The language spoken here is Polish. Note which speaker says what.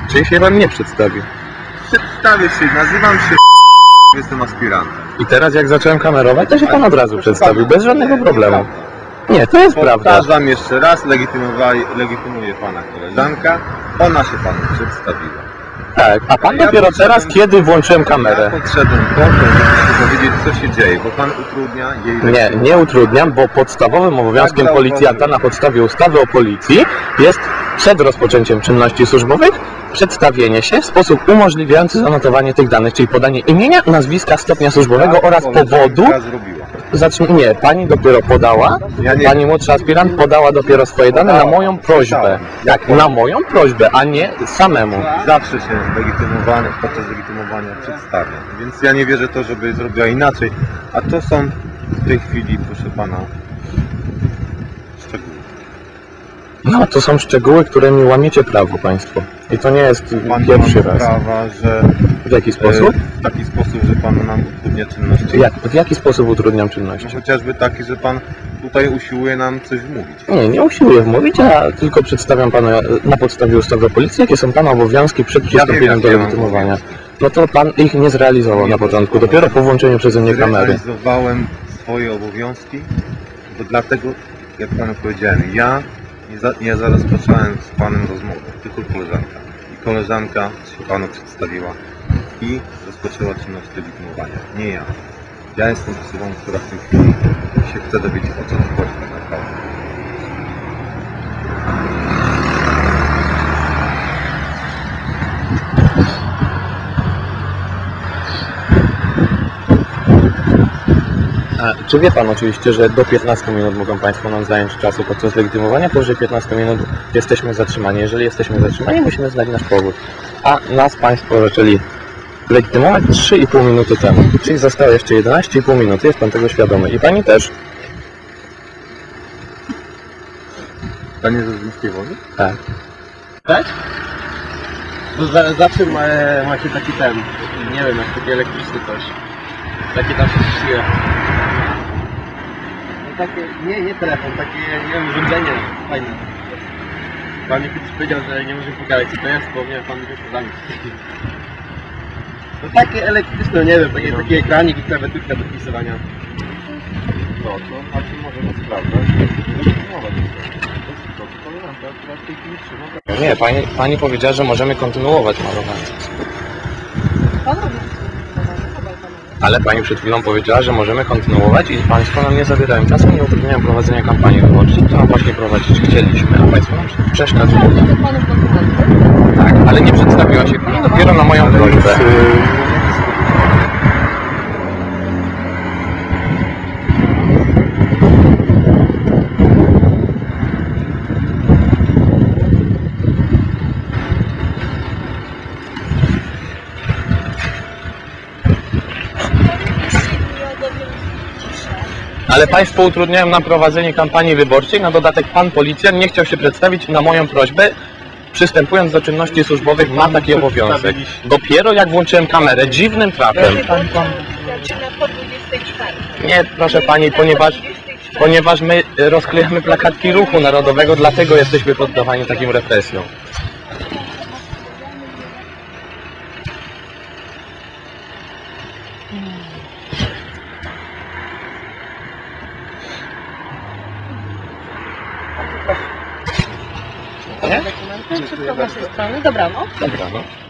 Speaker 1: Czyli się pan nie przedstawił.
Speaker 2: Przedstawię się, nazywam się jestem aspirantem.
Speaker 1: I teraz jak zacząłem kamerować, to się pan od razu przedstawił, bez żadnego problemu. Nie, to jest prawda.
Speaker 2: Powtarzam jeszcze raz, legitymuje pana koleżanka, ona się panu przedstawiła.
Speaker 1: Tak, a pan dopiero teraz, kiedy włączyłem kamerę.
Speaker 2: Ja podszedłem po to, żeby powiedzieć, co się dzieje, bo pan utrudnia jej...
Speaker 1: Nie utrudniam, bo podstawowym obowiązkiem policjanta na podstawie ustawy o policji jest przed rozpoczęciem czynności służbowych przedstawienie się w sposób umożliwiający zanotowanie tych danych, czyli podanie imienia, nazwiska, stopnia służbowego oraz powodu. Nie, pani dopiero podała, pani młodszy aspirant podała dopiero swoje dane na moją prośbę. Tak, na moją prośbę, a nie samemu.
Speaker 2: Zawsze się legitymowany podczas legitymowania przedstawia, więc ja nie wierzę to, żeby zrobiła inaczej, a to są w tej chwili, proszę pana, szczegóły.
Speaker 1: No, to są szczegóły, którymi łamiecie prawo państwo. I to nie jest pierwszy raz.
Speaker 2: Prawa, że
Speaker 1: w jaki sposób?
Speaker 2: W taki sposób, że pan nam utrudnia czynności.
Speaker 1: W jaki sposób utrudniam czynności?
Speaker 2: No, chociażby taki, że pan tutaj usiłuje nam coś wmówić.
Speaker 1: Nie usiłuję wmówić, a tylko przedstawiam panu na podstawie ustawy o policji, jakie są pana obowiązki przed przystąpieniem do legitymowania. No to pan ich nie zrealizował na początku, dopiero po włączeniu przeze mnie kamery.
Speaker 2: Zrealizowałem swoje obowiązki, bo dlatego, jak panu powiedziałem, ja nie rozpocząłem z panem rozmowę, tylko koleżanka. I koleżanka się panu przedstawiła i rozpoczęła czynność legitymowania, nie ja. Ja jestem osobą, która w tej chwili się chce dowiedzieć, o co tu chodzi tak naprawdę.
Speaker 1: Czy wie pan oczywiście, że do 15 minut mogą państwo nam zająć czasu podczas legitymowania, powyżej 15 minut jesteśmy zatrzymani. Jeżeli jesteśmy zatrzymani, musimy znać nasz powód. A nas państwo zaczęli legitymować 3,5 minuty temu. Czyli zostało jeszcze 11,5 minuty, jest pan tego świadomy. I pani też.
Speaker 2: Pan jest z Zimskiej Wody?
Speaker 1: Tak.
Speaker 3: Tak? To zawsze macie taki ten, nie wiem, jak taki elektryczny coś. Takie tam się siłę. No takie, nie telefon, takie, nie wiem, urządzenie fajne. Pan mi kiedyś powiedział, że nie możemy pokazać co to jest, bo mnie pan wyszło za nic. No takie elektryczne, nie wiem, taki ekranik i klawiaturka do pisowania.
Speaker 2: No to znaczy możemy sprawdzać.
Speaker 1: Nie, pani powiedziała, że możemy kontynuować malowanie. Ale pani przed chwilą powiedziała, że możemy kontynuować i państwo nam nie zabierają czasu, nie utrudniają prowadzenia kampanii wyborczej, którą właśnie prowadzić chcieliśmy, a państwo nam przeszkadzają. Tak, ale nie przedstawiła się pani dopiero na moją prośbę. Ale państwo utrudniają nam prowadzenie kampanii wyborczej, na dodatek pan policjant nie chciał się przedstawić na moją prośbę, przystępując do czynności służbowych ma taki obowiązek. Dopiero jak włączyłem kamerę, dziwnym trafem. Nie, proszę pani, ponieważ my rozklejamy plakatki ruchu narodowego, dlatego jesteśmy poddawani takim represjom.
Speaker 4: Wszystko z naszej strony. Dobranoc.
Speaker 1: Dobranoc.